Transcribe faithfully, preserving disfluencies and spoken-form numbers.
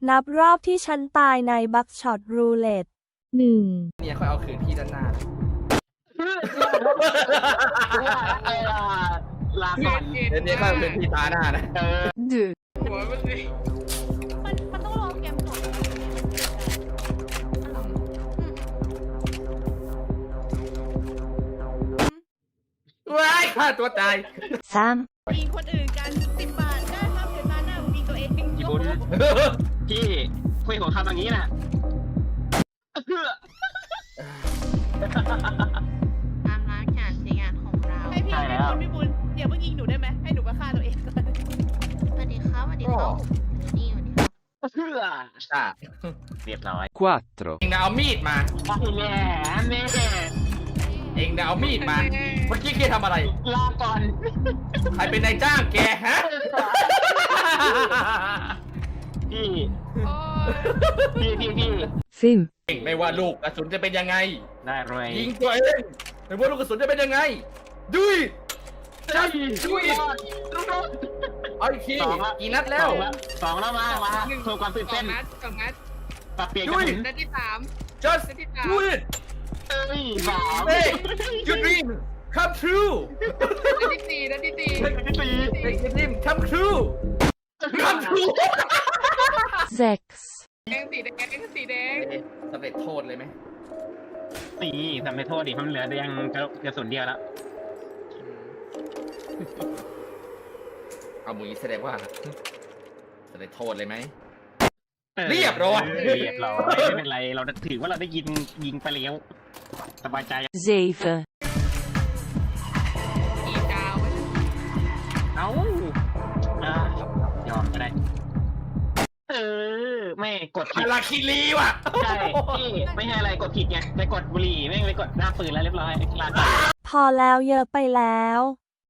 นับรอบที่ฉันตายในบัคช็อตรูเล็ตหนึ่งเนี่ยค่อยเอาคืนพี่ด้านหน้าลาก่อนเดี๋ยวนี้ค่อยเอาคืนพี่ตาหน้านะเออหัวมันสิมันมันต้องรอเกมจบว้ายฆ่าตัวตายสามยิงคนอื่นกันสิบบาทได้ครับเดี๋ยวมาหน้ายิงตัวเองพี่บุญพี่คุยของคำอย่างนี้น่ะตามร้านการใช้งานของเราให้พี่พี่บุญพี่บุญเดี๋ยวเพิ่งยิงหนูได้ไหมให้หนูมาฆ่าตัวเองก่อนสวัสดีครับสวัสดีครับนี่สวัสดีครับเพื่ออ่ะเรียบร้อย quattro เองนะเอามีดมาแม่แม่เองนะเอามีดมา เมื่อกี้แกทำอะไรลาก่อนใครเป็นนายจ้างแกฮะพี่พี่พี่พี่ฟิมเองไม่ว่าลูกกระสุนจะเป็นยังไงได้เลยยิงตัวเองไม่ว่าลูกกระสุนจะเป็นยังไงดุยจัดดุยเอาอีกทีกี่นัดแล้วสองแล้วมามาโชว์ความตื่นเต้นนัดสองนัดปรับเปลี่ยนกระสุนนัดที่สาม just do it เอ้ยสาม hey your dream come true นัดที่สี่นัดที่สี่สี่ make your dream come true come true เซ็กซ์แดงสีแดงสีแดงสำเร็จโทษเลยไหมสี่ทำไม่โทษดิเพราะมันเหลือแต่ยังกระสุนเดียวแล้วเอามือแสดงว่าสำเร็จโทษเลยไหมออเรียบร้อยเรียบร้อยไม่เป็นไรเราถือว่าเราได้ยิงยิงไปแล้วสบายใจเซฟอีดาวไว้เอ้าอ่ะยอมก็ได้เออไม่กดผิอาดราคิรีว่ะใช่พี่ไม่ให้อะไรกดผิดไงไปกดบุหรี่ไม่งไปกดหน้าปืนแล้วเรียบร้อยลาก่อนพอแล้วเยอะไปแล้ว